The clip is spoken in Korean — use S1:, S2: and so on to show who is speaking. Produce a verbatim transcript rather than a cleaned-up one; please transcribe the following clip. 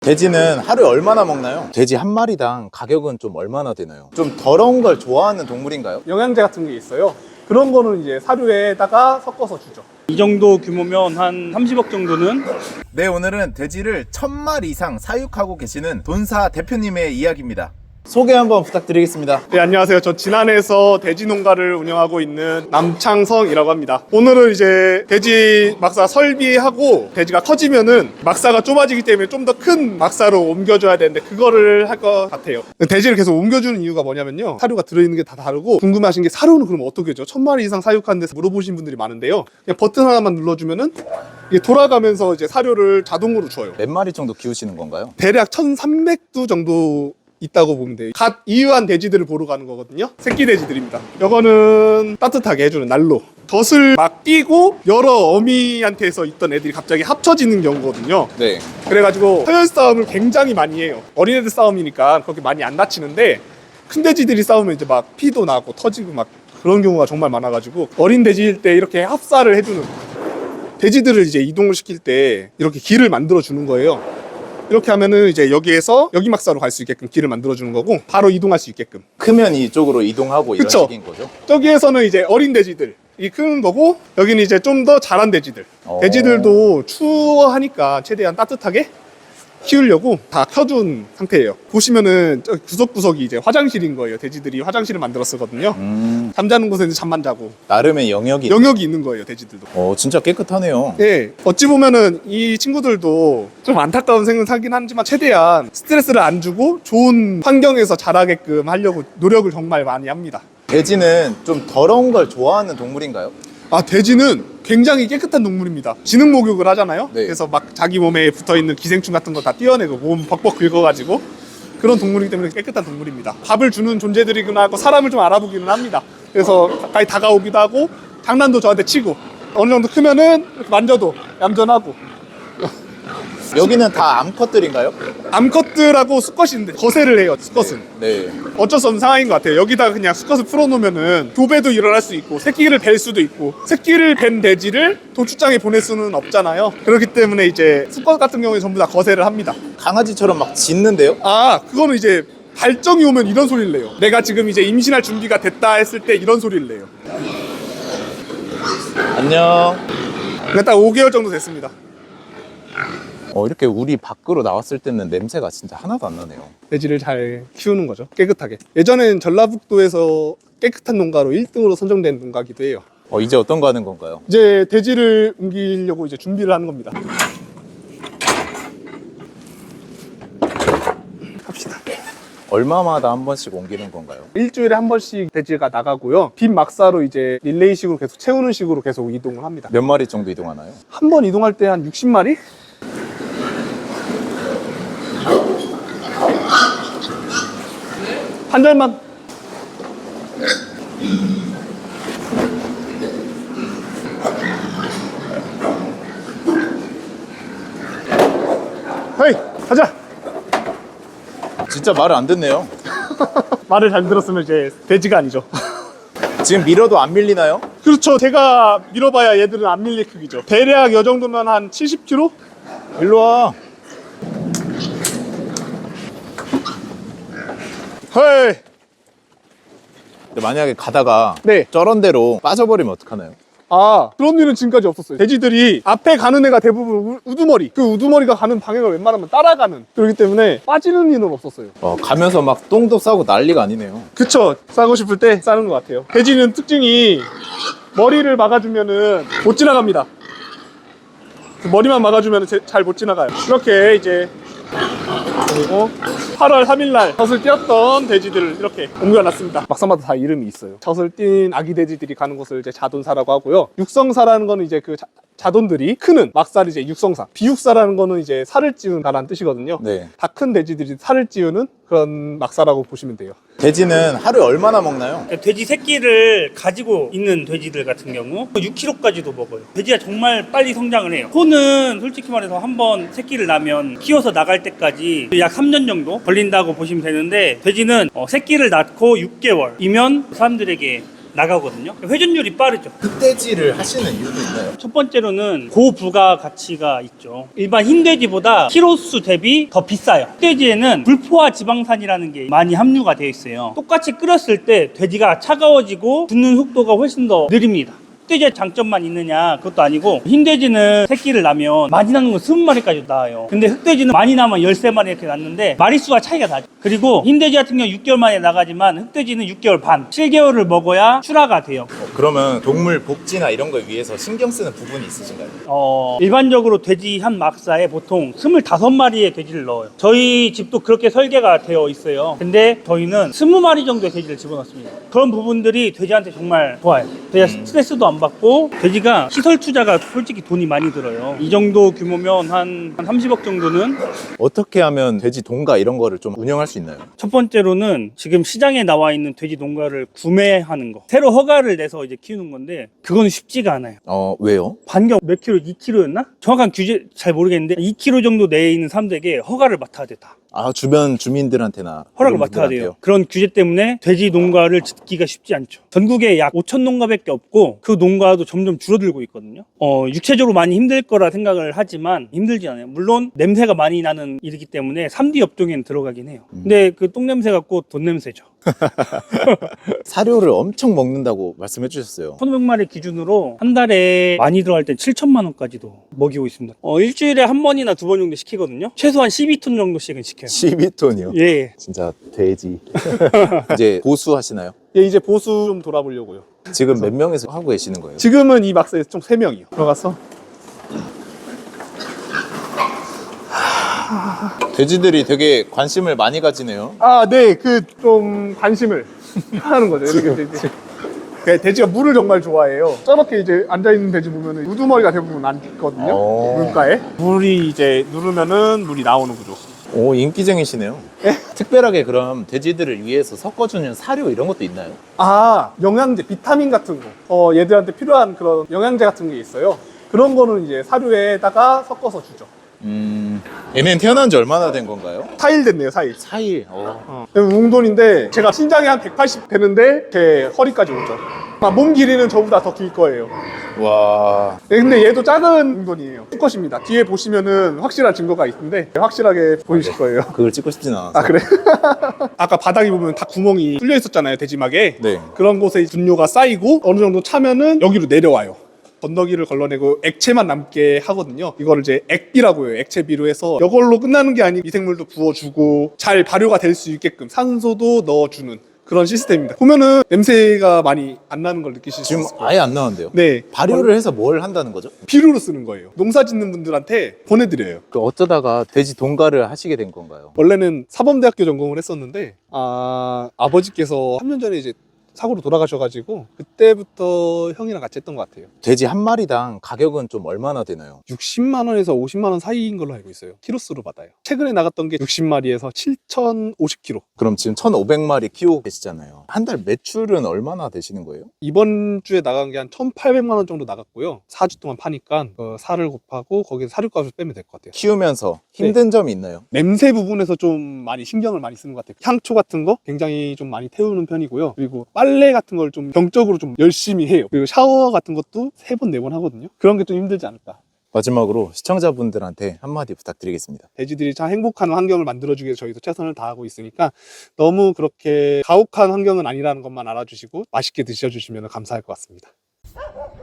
S1: 돼지는 하루에 얼마나 먹나요? 돼지 한 마리당 가격은 좀 얼마나 되나요? 좀 더러운 걸 좋아하는 동물인가요?
S2: 영양제 같은 게 있어요. 그런 거는 이제 사료에다가 섞어서 주죠.
S3: 이 정도 규모면 한 삼십억 정도는.
S1: 네, 오늘은 돼지를 천 마리 이상 사육하고 계시는 돈사 대표님의 이야기입니다. 소개 한번 부탁드리겠습니다.
S2: 네, 안녕하세요. 저 진안에서 돼지 농가를 운영하고 있는 남창성이라고 합니다. 오늘은 이제 돼지 막사 설비하고 돼지가 커지면은 막사가 좁아지기 때문에 좀 더 큰 막사로 옮겨줘야 되는데 그거를 할 것 같아요. 돼지를 계속 옮겨주는 이유가 뭐냐면요, 사료가 들어있는 게 다 다르고, 궁금하신 게 사료는 그럼 어떻게 줘? 천 마리 이상 사육하는 데서 물어보신 분들이 많은데요, 그냥 버튼 하나만 눌러주면은 이게 돌아가면서 이제 사료를 자동으로 줘요.
S1: 몇 마리 정도 키우시는 건가요?
S2: 대략 천삼백 두 정도 있다고 보면 돼요. 갓 이유한 돼지들을 보러 가는 거거든요. 새끼 돼지들입니다. 이거는 따뜻하게 해주는 난로. 젖을 막 끼고 여러 어미한테서 있던 애들이 갑자기 합쳐지는 경우거든요.
S1: 네.
S2: 그래가지고 서열 싸움을 굉장히 많이 해요. 어린애들 싸움이니까 그렇게 많이 안 다치는데, 큰 돼지들이 싸우면 이제 막 피도 나고 터지고 막 그런 경우가 정말 많아가지고, 어린 돼지일 때 이렇게 합사를 해주는, 돼지들을 이제 이동을 시킬 때 이렇게 길을 만들어 주는 거예요. 이렇게 하면은 이제 여기에서 여기 막사로 갈 수 있게끔 길을 만들어주는 거고, 바로 이동할 수 있게끔.
S1: 크면 이쪽으로 이동하고 이런
S2: 그쵸?
S1: 식인 거죠?
S2: 저기에서는 이제 어린 돼지들 이 큰 거고, 여기는 이제 좀 더 자란 돼지들.
S1: 오.
S2: 돼지들도 추워하니까 최대한 따뜻하게 키우려고 다 켜둔 상태예요. 보시면은 저 구석구석이 이제 화장실인 거예요. 돼지들이 화장실을 만들어 쓰거든요.
S1: 음,
S2: 잠자는 곳에는 잠만 자고
S1: 나름의 영역이.
S2: 영역이 있는 거예요, 돼지들도.
S1: 어, 진짜 깨끗하네요.
S2: 네, 어찌 보면은 이 친구들도 좀 안타까운 생각하긴 하지만 최대한 스트레스를 안 주고 좋은 환경에서 자라게끔 하려고 노력을 정말 많이 합니다.
S1: 돼지는 좀 더러운 걸 좋아하는 동물인가요?
S2: 아, 돼지는 굉장히 깨끗한 동물입니다. 지능 목욕을 하잖아요.
S1: 네.
S2: 그래서 막 자기 몸에 붙어있는 기생충 같은 거 다 떼어내고 몸 벅벅 긁어가지고 그런 동물이기 때문에 깨끗한 동물입니다. 밥을 주는 존재들이구나 하고 사람을 좀 알아보기는 합니다. 그래서 가까이 다가오기도 하고 장난도 저한테 치고, 어느 정도 크면은 이렇게 만져도 얌전하고.
S1: 여기는 다 암컷들인가요?
S2: 암컷들하고 수컷인데 거세를 해요, 수컷은.
S1: 네.
S2: 어쩔 수 없는 상황인 것 같아요. 여기다가 그냥 수컷을 풀어놓으면은 교배도 일어날 수 있고 새끼를 뵐 수도 있고, 새끼를 뵌 돼지를 도축장에 보낼 수는 없잖아요. 그렇기 때문에 이제 수컷 같은 경우에 전부 다 거세를 합니다.
S1: 강아지처럼 막 짖는데요?
S2: 아, 그거는 이제 발정이 오면 이런 소리를 내요. 내가 지금 이제 임신할 준비가 됐다 했을 때 이런 소리를 내요.
S1: 안녕.
S2: 그냥 딱 오 개월 정도 됐습니다.
S1: 어, 이렇게 우리 밖으로 나왔을 때는 냄새가 진짜 하나도 안 나네요.
S2: 돼지를 잘 키우는 거죠, 깨끗하게. 예전엔 전라북도에서 깨끗한 농가로 일 등으로 선정된 농가기도 해요.
S1: 어, 이제 어떤 거 하는 건가요?
S2: 이제 돼지를 옮기려고 이제 준비를 하는 겁니다. 합시다.
S1: 얼마마다 한 번씩 옮기는 건가요?
S2: 일주일에 한 번씩 돼지가 나가고요. 빈 막사로 이제 릴레이식으로 계속 채우는 식으로 계속 이동을 합니다.
S1: 몇 마리 정도 이동하나요?
S2: 한 번 이동할 때 한 육십 마리? 한 잔만. 헤이, 가자.
S1: 진짜 말을 안 듣네요.
S2: 말을 잘 들었으면 이제 돼지가 아니죠.
S1: 지금 밀어도 안 밀리나요?
S2: 그렇죠. 제가 밀어봐야 얘들은 안 밀릴 크기죠. 대략 이 정도면 한 칠십 킬로그램?
S1: 일로 와.
S2: 헤이.
S1: 근데 만약에 가다가
S2: 네.
S1: 저런 데로 빠져버리면 어떡하나요?
S2: 아, 그런 일은 지금까지 없었어요. 돼지들이 앞에 가는 애가 대부분 우, 우두머리, 그 우두머리가 가는 방향을 웬만하면 따라가는, 그렇기 때문에 빠지는 일은 없었어요.
S1: 어, 가면서 막 똥도 싸고 난리가 아니네요.
S2: 그쵸. 싸고 싶을 때 싸는 것 같아요. 돼지는 특징이 머리를 막아주면은 못 지나갑니다. 그 머리만 막아주면 잘 못 지나가요. 이렇게 이제, 그리고 팔월 삼일 날 젖을 띄었던 돼지들을 이렇게 옮겨놨습니다. 막사마다 다 이름이 있어요. 젖을 띈 아기 돼지들이 가는 곳을 이제 자돈사라고 하고요. 육성사라는 거는 이제 그 자, 자돈들이 크는 막살이 이제 육성사. 비육사라는 거는 이제 살을 찌운다라는 뜻이거든요.
S1: 네.
S2: 다 큰 돼지들이 살을 찌우는 그런 막사라고 보시면 돼요.
S1: 돼지는 하루에 얼마나 먹나요?
S3: 돼지 새끼를 가지고 있는 돼지들 같은 경우 육 킬로그램까지도 먹어요. 돼지가 정말 빨리 성장을 해요. 소는 솔직히 말해서 한번 새끼를 낳으면 키워서 나갈 때까지 약 삼 년 정도 걸린다고 보시면 되는데, 돼지는 어, 새끼를 낳고 육 개월이면 사람들에게 나가거든요. 회전율이 빠르죠.
S1: 흑돼지를 하시는 이유도 있나요?
S3: 첫 번째로는 고부가 가치가 있죠. 일반 흰돼지보다 키로수 대비 더 비싸요. 흑돼지에는 불포화 지방산이라는 게 많이 함유가 되어 있어요. 똑같이 끓였을 때 돼지가 차가워지고 굳는 속도가 훨씬 더 느립니다. 흑돼지의 장점만 있느냐 그것도 아니고, 흰돼지는 새끼를 낳으면 많이 낳는 건 스무 마리까지 낳아요. 근데 흑돼지는 많이 낳으면 열세 마리 이렇게 낳는데 마리수가 차이가 나죠. 그리고 흰돼지 같은 경우 육 개월 만에 나가지만 흑돼지는 육 개월 반, 칠 개월을 먹어야 출하가 돼요.
S1: 어, 그러면 동물 복지나 이런 걸 위해서 신경 쓰는 부분이 있으신가요?
S3: 어, 일반적으로 돼지 한 막사에 보통 스물다섯 마리의 돼지를 넣어요. 저희 집도 그렇게 설계가 되어 있어요. 근데 저희는 스무 마리 정도의 돼지를 집어넣습니다. 그런 부분들이 돼지한테 정말 좋아요. 돼지가
S1: 음.
S3: 스트레스도 안 받고, 돼지가 시설 투자가 솔직히 돈이 많이 들어요. 이 정도 규모면 한, 한 삼십억 정도는.
S1: 어떻게 하면 돼지 동가 이런 거를 좀 운영할 수 있나요?
S3: 첫 번째로는 지금 시장에 나와 있는 돼지 농가를 구매하는 거, 새로 허가를 내서 이제 키우는 건데 그거는 쉽지가 않아요.
S1: 어, 왜요?
S3: 반경 몇 킬로, 이 킬로였나? 정확한 규제 잘 모르겠는데 이 킬로 정도 내에 있는 사람들에게 허가를 맡아야 됐다.
S1: 아, 주변 주민들한테나
S3: 허락을
S1: 이런
S3: 맡아야
S1: 분들한테요?
S3: 돼요. 그런 규제 때문에 돼지 농가를 짓기가 쉽지 않죠. 전국에 약 오천 농가밖에 없고 그 농가도 점점 줄어들고 있거든요. 어, 육체적으로 많이 힘들 거라 생각을 하지만 힘들지 않아요. 물론 냄새가 많이 나는 일이기 때문에 삼 디 업종에는 들어가긴 해요. 근데 그 똥냄새 같고 돈 냄새죠.
S1: 사료를 엄청 먹는다고 말씀해 주셨어요.
S3: 천오백 마리 기준으로 한 달에 많이 들어갈 땐 칠천만 원까지도 먹이고 있습니다. 어, 일주일에 한 번이나 두 번 정도 시키거든요. 최소한 십이 톤 정도씩은 시켜요.
S1: 십이 톤이요?
S3: 예.
S1: 진짜 돼지. 이제 보수하시나요?
S2: 예, 이제 보수 좀 돌아보려고요.
S1: 지금 몇 명에서 하고 계시는 거예요?
S2: 지금은 이 막사에서 총 세 명이요. 들어갔어.
S1: 돼지들이 되게 관심을 많이 가지네요.
S2: 아, 네, 그 좀 관심을 하는 거죠. 이렇게 돼지. 그 돼지가 물을 정말 좋아해요. 저렇게 이제 앉아 있는 돼지 보면은 우두머리가 대부분 앉거든요.
S1: 오.
S2: 물가에. 물이 이제 누르면은 물이 나오는 구조.
S1: 오, 인기쟁이시네요. 특별하게 그럼 돼지들을 위해서 섞어주는 사료 이런 것도 있나요?
S2: 아, 영양제, 비타민 같은 거. 어, 얘들한테 필요한 그런 영양제 같은 게 있어요. 그런 거는 이제 사료에다가 섞어서 주죠.
S1: 음, 얘는 태어난 지 얼마나 된 건가요?
S2: 사 일 됐네요, 사 일.
S1: 사 일. 어.
S2: 어. 웅돈인데 제가 신장이 한 백팔십 되는데 제 허리까지 오죠. 아, 몸 길이는 저보다 더 길 거예요.
S1: 와.
S2: 네, 근데 얘도 작은 웅돈이에요. 수컷입니다. 뒤에 보시면은 확실한 증거가 있는데 확실하게 보이실 거예요.
S1: 그걸 찍고 싶진 않아서.
S2: 아, 그래? 아까 바닥에 보면 다 구멍이 뚫려 있었잖아요, 돼지막에.
S1: 네.
S2: 그런 곳에 분뇨가 쌓이고 어느 정도 차면은 여기로 내려와요. 건더기를 걸러내고 액체만 남게 하거든요. 이거를 이제 액비라고 해요. 액체비로 해서 이걸로 끝나는 게 아니고 미생물도 부어주고 잘 발효가 될 수 있게끔 산소도 넣어주는 그런 시스템입니다. 보면은 냄새가 많이 안 나는 걸 느끼실 수
S1: 지금
S2: 있을 거예요.
S1: 아예 안 나는데요?
S2: 네,
S1: 발효를 해서 뭘 한다는 거죠?
S2: 비료로 쓰는 거예요. 농사 짓는 분들한테 보내드려요.
S1: 그 어쩌다가 돼지 동가를 하시게 된 건가요?
S2: 원래는 사범대학교 전공을 했었는데 아, 아버지께서 삼 년 전에 이제 사고로 돌아가셔가지고 그때부터 형이랑 같이 했던 것 같아요.
S1: 돼지 한 마리당 가격은 좀 얼마나 되나요?
S2: 육십만 원에서 오십만 원 사이인 걸로 알고 있어요. 키로수로 받아요. 최근에 나갔던 게 육십 마리에서 칠천오십 킬로.
S1: 그럼 지금 천오백 마리 키우고 계시잖아요. 한 달 매출은 얼마나 되시는 거예요?
S2: 이번 주에 나간 게 한 천팔백만 원 정도 나갔고요. 사 주 동안 파니까 어, 살을 곱하고 거기서 사료값을 빼면 될 것 같아요.
S1: 키우면서 힘든 점이 있나요?
S2: 냄새 부분에서 좀 많이 신경을 많이 쓰는 것 같아요. 향초 같은 거 굉장히 좀 많이 태우는 편이고요. 그리고 빨래 같은 걸 좀 병적으로 좀 열심히 해요. 그리고 샤워 같은 것도 세 번, 네 번 하거든요. 그런 게 좀 힘들지 않을까.
S1: 마지막으로 시청자분들한테 한마디 부탁드리겠습니다.
S2: 돼지들이 참 행복한 환경을 만들어주기 위해서 저희도 최선을 다하고 있으니까 너무 그렇게 가혹한 환경은 아니라는 것만 알아주시고 맛있게 드셔주시면 감사할 것 같습니다.